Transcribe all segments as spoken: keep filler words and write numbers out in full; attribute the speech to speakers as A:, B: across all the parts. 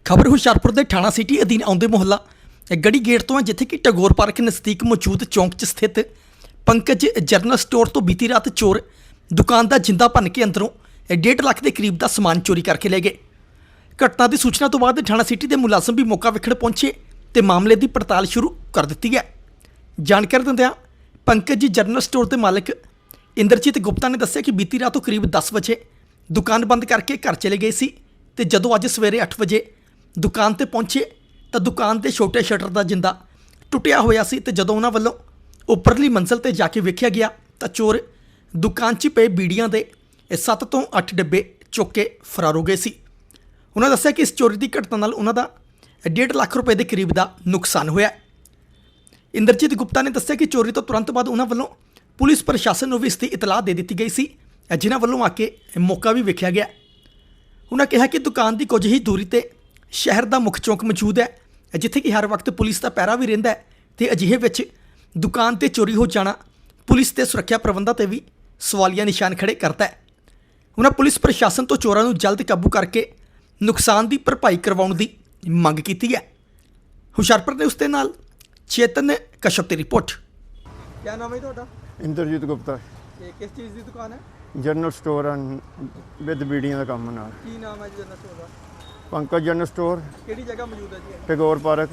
A: खबर हुशियारपुर के थाना सिटी अधीन आउंदे मुहल्ला गढ़ी गेट तो है, जिथे कि टैगोर पार्क नज़दीक मौजूद चौंक च स्थित पंकज जनरल स्टोर तो बीती रात चोर दुकान का जिंदा भन के अंदरों डेढ़ लाख के करीब का समान चोरी करके ले गए। घटना की सूचना तो बाद थाना सिटी के मुलाजम भी मौका वेखण पहुंचे तो मामले की पड़ताल शुरू कर दी है। जानकारी दिंदिआं पंकज जनरल स्टोर के मालिक इंद्रजीत गुप्ता ने दस्सिया कि बीती रात करीब दस बजे दुकान बंद करके घर चले गए सी ते जदों अज सवेरे अठ बजे दुकान ते पहुंचे तो दुकान के छोटे शटर का जिंदा टुटिया होया सी ते जदों उन्हां वल्लों उपरली मंजिल ते जाके वेख्या गया तो चोर दुकान च पे बीड़ियां दे सत्त तो अठ डब्बे चुक के फरार हो गए सी। उन्होंने दस्सिया कि इस चोरी की घटना नाल उन्हां दा डेढ़ लाख रुपए के करीब का नुकसान होया। इंद्रजीत गुप्ता ने दस्सिया कि चोरी तो तुरंत बाद उन्हां वल्लों पुलिस प्रशासन को भी इसकी इतलाह दे दी गई सी, जिन्हां वल्लों आके मौका भी वेख्या गया। उन्होंने कहा कि दुकान की कुछ ही दूरी ते शहर का मुख चौंक मौजूद है, जिथे कि हर वक्त पुलिस का पैरा भी रहिंदा है ते अजिहे विच दुकान ते चोरी हो जाना पुलिस के सुरक्षा प्रबंधों ते भी सवालिया निशान खड़े करता है। उन्होंने पुलिस प्रशासन तो चोरों को जल्द काबू करके नुकसान की भरपाई करवाउण दी मंग की है। हुशियारपुर ने उसके नाल चेतन कश्यप की रिपोर्ट।
B: क्या नाम है ਤੁਹਾਡਾ?
C: इंद्रजीत गुप्ता
B: ਇਹ ਕਿਸ ਚੀਜ਼ ਦੀ ਦੁਕਾਨ ਹੈ?
C: जनरल स्टोर विद बीड़ियां का काम नाल।
B: ਕੀ ਨਾਮ ਹੈ ਜੀ ਜਨਰਲ ਸਟੋਰ ਦਾ?
C: पंकज जनरल स्टोर
B: ਕਿਹੜੀ ਜਗ੍ਹਾ ਮੌਜੂਦ ਹੈ ਜੀ?
C: टैगोर पार्क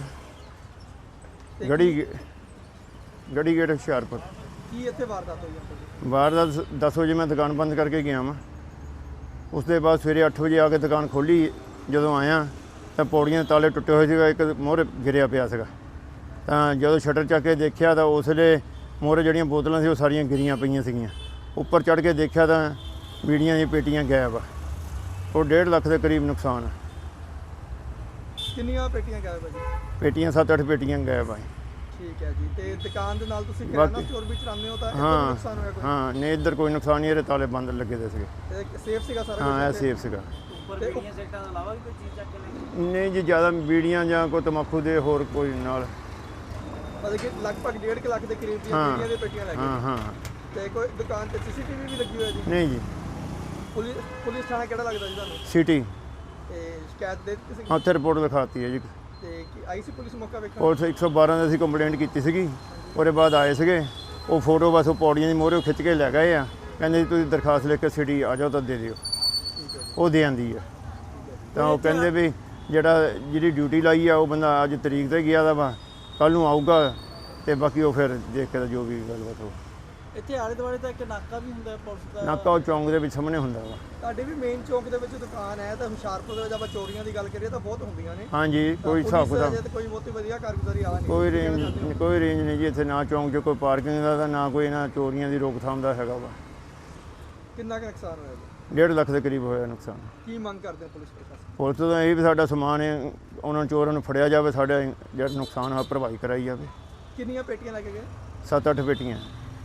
B: ਤੇ
C: गढ़ी गढ़ी गेट हुशियारपुर।
B: ਕੀ ਇੱਥੇ ਵਾਰਦਾਤ ਹੋਈ ਹੈ?
C: बाहर दस बजे मैं दुकान बंद करके गया वा, उसके बाद सवेरे अठ बजे आके दुकान खोली। जो आया तो पौड़ियां के ताले टुटे हुए थे, एक मोहरे गिरिया पिया था। तो जो शटर चक के देखा तो उसले मोहरे जड़ियाँ बोतलों से वो सारियां गिरियां पईयां सीगियां। उपर चढ़ के देखा तो बीड़ियां दी पेटियां गायब आ, और डेढ़ लाख के करीब नुकसान है।
B: ਕਿੰਨੀਆਂ ਪੇਟੀਆਂ ਗਾਇਬ ਹੈ ਜੀ?
C: पेटियां सत्त अठ पेटियां गायब आई।
B: ਠੀਕ ਹੈ ਜੀ। ਤੇ ਦੁਕਾਨ ਦੇ ਨਾਲ ਤੁਸੀਂ ਕਿਰਾਣਾ ਸਟੋਰ ਵੀ ਚਲਾਉਂਦੇ ਹੋ ਤਾਂ ਇੱਥੇ
C: हाँ
B: ਨੁਕਸਾਨ ਹੋਇਆ ਕੋਈ?
C: हाँ नहीं, इधर कोई नुकसान नहीं है, ताले बंद लगे थे सीगे।
B: ਤੇ ਸੇਫ ਸੀਗਾ ਸਾਰਾ
C: हाँ
B: ਕੁਛ
C: है
B: ਇੱਥੇ?
C: सेफ सीगा।
B: ਉੱਪਰ ਬੀੜੀਆਂ ਸੈਕਟਾਂ ਤੋਂ ਇਲਾਵਾ ਵੀ ਕੋਈ ਚੀਜ਼ ਚੱਕ ਕੇ ਲੈ
C: नहीं जी, ज़्यादा बीड़ियां ਜਾਂ कोई तंबाकू दे होर कोई नाल।
B: ਮਤਲਬ ਕਿ ਲਗਭਗ ਡੇਢ ਕੁ ਲੱਖ ਦੇ ਕਰੀਬ ਦੀਆਂ
C: ਹਾਂ।
B: ਬੀੜੀਆਂ ਦੀਆਂ ਪੇਟੀਆਂ ਲੈ
C: हाँ
B: ਗਏ।
C: हाँ
B: ਤੇ ਕੋਈ ਦੁਕਾਨ ਤੇ ਸੀਸੀਟੀਵੀ ਵੀ ਲੱਗੀ ਹੋਈ ਹੈ ਜੀ?
C: नहीं जी,
B: ਪੁਲਿਸ ਪੁਲਿਸ ਥਾਣਾ ਕਿਹੜਾ ਲੱਗਦਾ ਜੀ ਤੁਹਾਨੂੰ?
C: सिटी
B: ਤੇ ਸ਼ਿਕਾਇਤ ਦੇ ਦਿੱਤੀ ਸੀ?
C: हाँ उत्थे रिपोर्ट लिखाती है जी।
B: ਤੇ ਕੀ ਆਈ ਸੀ ਪੁਲਿਸ ਮੌਕਾ ਵੇਖਣ?
C: और एक सौ बारह की कंप्लेंट की सीगी। ਉਹਦੇ ਬਾਅਦ ਆਏ ਸੀਗੇ, ਉਹ ਫੋਟੋ ਬਸ ਉਹ ਪੌੜੀਆਂ ਦੀ ਮੋਹਰੇ ਖਿੱਚ ਕੇ ਲੈ ਗਏ ਆ। ਕਹਿੰਦੇ ਜੀ ਤੁਸੀਂ ਦਰਖਾਸਤ ਲਿਖ ਕੇ ਸਿਟੀ ਆ ਜਾਓ ਤਾਂ ਦੇ ਦਿਓ। ਉਹ ਦੇ ਆਂਦੀ ਆ ਤਾਂ ਉਹ ਕਹਿੰਦੇ ਵੀ ਜਿਹੜਾ ਜਿਹੜੀ ਡਿਊਟੀ ਲਾਈ ਆ ਉਹ ਬੰਦਾ ਅੱਜ ਤਰੀਕ ਤੇ ਗਿਆ ਦਾ ਵਾ, ਕੱਲ ਨੂੰ ਆਊਗਾ ਤੇ ਬਾਕੀ ਉਹ ਫਿਰ ਦੇਖ ਕੇ ਜੋ ਵੀ ਗੱਲਬਾਤ ਹੋ।
B: ਇੱਥੇ ਆਲੇ ਦੁਆਲੇ ਤਾਂ ਇੱਕ ਨਾਕਾ ਵੀ ਹੁੰਦਾ ਪੁਲਿਸ ਦਾ?
C: ਨਾਕਾ ਉਹ ਚੌਂਕ ਦੇ ਵਿੱਚ ਸਾਹਮਣੇ ਹੁੰਦਾ ਵਾ।
B: ਤੁਹਾਡੇ ਵੀ ਮੇਨ ਚੌਂਕ ਦੇ ਵਿੱਚ ਦੁਕਾਨ ਹੈ ਤਾਂ ਹੁਸ਼ਿਆਰਪੁਰ ਦੇ ਵਿੱਚ ਆਪਾਂ ਚੋਰੀਆਂ ਦੀ ਗੱਲ ਕਰੀਏ ਤਾਂ ਬਹੁਤ ਹੁੰਦੀਆਂ ਨੇ।
C: ਹਾਂਜੀ, ਕੋਈ
B: ਤਾਂ
C: ਹਿਸਾਬ
B: ਪੁਲਿਸ
C: ਕਿਤਾਬ
B: ਅਜੇ ਤਾਂ ਕੋਈ ਬਹੁਤੀ ਵਧੀਆ ਕਾਰਗੁਜ਼ਾਰੀ ਆ ਨਹੀਂ।
C: ਕੋਈ ਰੇਂਜ ਕੋਈ ਰੇਂਜ ਨਹੀਂ ਜੀ ਇੱਥੇ, ਨਾ ਚੌਂਕ 'ਚ ਕੋਈ ਪਾਰਕਿੰਗ ਦਾ ਤਾਂ ਨਾ ਕੋਈ ਇਹਨਾਂ ਚੋਰੀਆਂ ਦੀ ਰੋਕਥਾਮ ਦਾ ਹੈਗਾ ਵਾ।
B: ਕਿੰਨਾ ਕੁ ਨੁਕਸਾਨ ਹੋਇਆ ਜੀ?
C: ਡੇਢ ਲੱਖ ਦੇ ਕਰੀਬ ਹੋਇਆ ਨੁਕਸਾਨ।
B: ਕੀ ਮੰਗ ਕਰਦੇ ਹੋ ਪੁਲਿਸ ਪ੍ਰਸ਼ਾਸਨ?
C: ਪੁਲਿਸ ਤੋਂ ਇਹ ਵੀ ਸਾਡਾ ਸਮਾਨ ਹੈ, ਉਹਨਾਂ ਚੋਰਾਂ ਨੂੰ ਫੜਿਆ ਜਾਵੇ, ਸਾਡਾ ਜਿਹੜਾ ਨੁਕਸਾਨ ਆ ਭਰਪਾਈ ਕਰਾਈ ਜਾਵੇ।
B: ਕਿੰਨੀਆਂ ਪੇਟੀਆਂ ਲੈ ਕੇ ਗਏ?
C: ਸੱਤ ਅੱਠ ਪੇਟੀਆਂ।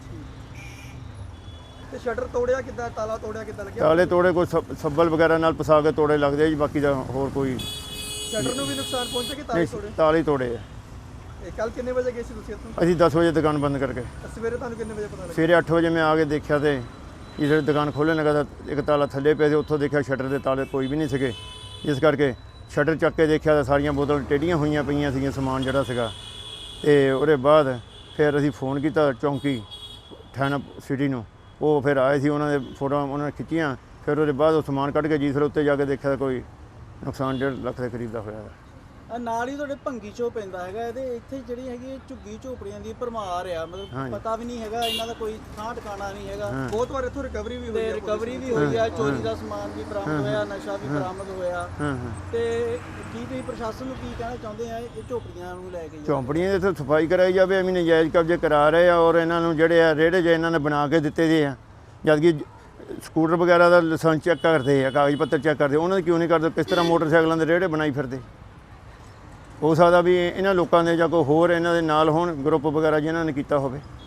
B: ਤੇ ਸ਼ਟਰ ਤੋੜਿਆ ਕਿੱਦਾਂ, ਤਾਲਾ ਤੋੜਿਆ ਕਿੱਦਾਂ ਲੱਗਿਆ?
C: ਤਾਲੇ ਤੋੜੇ ਕੋਈ ਸੱਬ- ਸੱਬਲ ਵਗੈਰਾ ਨਾਲ ਪਸਾ ਕੇ ਤੋੜੇ ਲੱਗਦੇ ਆ ਜੀ, ਬਾਕੀ ਦਾ ਹੋਰ ਕੋਈ
B: ਸ਼ਟਰ ਨੂੰ ਵੀ ਨੁਕਸਾਨ ਪਹੁੰਚਿਆ ਕਿ ਤਾਲੇ
C: ਨਹੀਂ।
B: ਤੋੜੇ?
C: ਤਾਲੇ ਹੀ ਤੋੜੇ ਆ।
B: ਇਹ ਕੱਲ ਕਿੰਨੇ ਵਜੇ ਗਏ ਸੀ ਤੁਸੀਂ ਇੱਥੋਂ?
C: ਅਸੀਂ ਦਸ ਵਜੇ ਦੁਕਾਨ ਬੰਦ ਕਰਕੇ
B: ਤਾਂ ਸਵੇਰੇ ਤੁਹਾਨੂੰ ਕਿੰਨੇ ਵਜੇ ਪਤਾ ਲੱਗਿਆ?
C: ਸਵੇਰੇ ਅੱਠ ਵਜੇ ਮੈਂ ਆ ਕੇ ਦੇਖਿਆ ਤੇ ਜਿਹੜੇ ਦੁਕਾਨ ਖੋਲ੍ਹਣ ਲੱਗਾ ਤਾਂ ਇੱਕ ਤਾਲਾ ਥੱਲੇ ਪਿਆ ਸੀ, ਉੱਥੋਂ ਦੇਖਿਆ ਸ਼ਟਰ ਦੇ ਤਾਲੇ ਕੋਈ ਵੀ ਨਹੀਂ ਸੀਗੇ। ਇਸ ਕਰਕੇ ਸ਼ਟਰ ਚੱਕ ਕੇ ਦੇਖਿਆ ਤਾਂ ਸਾਰੀਆਂ ਬੋਤਲਾਂ ਟੇਢੀਆਂ ਹੋਈਆਂ ਪਈਆਂ ਸੀਗੀਆਂ, ਸਮਾਨ ਜਿਹੜਾ ਸੀਗਾ। ਤੇ ਉਹਦੇ ਬਾਅਦ ਫਿਰ ਅਸੀਂ ਫੋਨ ਕੀਤਾ ਚੌਂਕੀ ਥਾਣਾ ਸਿਟੀ ਨੂੰ, ਉਹ ਫਿਰ ਆਏ ਸੀ, ਉਹਨਾਂ ਦੇ ਫੋਟੋਆਂ ਉਹਨਾਂ ਨੇ ਖਿੱਚੀਆਂ। ਫਿਰ ਉਹਦੇ ਬਾਅਦ ਉਹ ਸਮਾਨ ਕੱਢ ਕੇ ਜੀ ਫਿਰ ਉੱਤੇ ਜਾ ਕੇ ਦੇਖਿਆ ਤਾਂ ਕੋਈ ਨੁਕਸਾਨ ਡੇਢ ਲੱਖ ਦੇ ਕਰੀਬ ਦਾ ਹੋਇਆ।
D: ਨਾਲ ਹੀ ਤੁਹਾਡੇ ਭੰਗੀ ਚੋ ਪੈਂਦਾ ਹੈਗਾ, ਇਹਦੇ ਇੱਥੇ ਜਿਹੜੀ ਹੈਗੀ ਝੁੱਗੀ ਝੋਪੜੀਆਂ ਦੀ ਭਰਮਾਰ ਆ, ਮਤਲਬ ਪਤਾ ਵੀ ਨਹੀਂ ਹੈਗਾ ਇਹਨਾਂ ਦਾ, ਕੋਈ ਥਾਂ ਟਿਕਾਣਾ ਨਹੀਂ ਹੈਗਾ।
B: ਬਹੁਤ ਵਾਰ ਇੱਥੋਂ ਰਿਕਵਰੀ ਵੀ ਹੋਈ
D: ਤੇ
B: ਹੈ,
D: ਰਿਕਵਰੀ ਵੀ ਹੋਈ ਆ, ਚੋਰੀ ਦਾ ਸਮਾਨ ਵੀ ਬਰਾਮਦ ਹੋਇਆ, ਨਸ਼ਾ ਵੀ ਬਰਾਮਦ ਹੋਇਆ।
C: ਹਾਂ ਹਾਂ
D: ਤੇ ਕੀ ਤੁਸੀਂ ਪ੍ਰਸ਼ਾਸਨ ਨੂੰ ਕੀ ਕਹਿਣਾ ਚਾਹੁੰਦੇ ਆ ਇਹ ਝੋਪੜੀਆਂ ਨੂੰ ਲੈ ਕੇ?
C: ਝੌਂਪੜੀਆਂ ਦੀ ਇੱਥੇ ਸਫਾਈ ਕਰਾਈ ਜਾਵੇ, ਐਵੇਂ ਨਜਾਇਜ਼ ਕਬਜ਼ੇ ਕਰਾ ਰਹੇ ਆ, ਔਰ ਇਹਨਾਂ ਨੂੰ ਜਿਹੜੇ ਆ ਰੇੜੇ ਜੇ ਇਹਨਾਂ ਨੇ ਬਣਾ ਕੇ ਦਿੱਤੇ ਦੇ ਆ, ਜਦਕਿ ਸਕੂਟਰ ਵਗੈਰਾ ਦਾ ਲਾਇਸੈਂਸ ਚੈੱਕ ਕਰਦੇ ਆ, ਕਾਗਜ਼ ਪੱਤਰ ਚੈੱਕ ਕਰਦੇ, ਉਹਨਾਂ ਦੇ ਕਿਉਂ ਨਹੀਂ ਕਰਦੇ? ਕਿਸ ਤਰ੍ਹਾਂ ਮੋਟਰਸਾਈਕਲਾਂ ਦੇ ਰੇੜੇ ਬਣਾਈ ਫਿਰਦੇ? ਹੋ ਸਕਦਾ ਵੀ ਇਹਨਾਂ ਲੋਕਾਂ ਦੇ ਜਾਂ ਕੋਈ ਹੋਰ ਇਹਨਾਂ ਦੇ ਨਾਲ ਹੋਣ ਗਰੁੱਪ ਵਗੈਰਾ ਜਿਨ੍ਹਾਂ ਨੇ ਕੀਤਾ ਹੋਵੇ।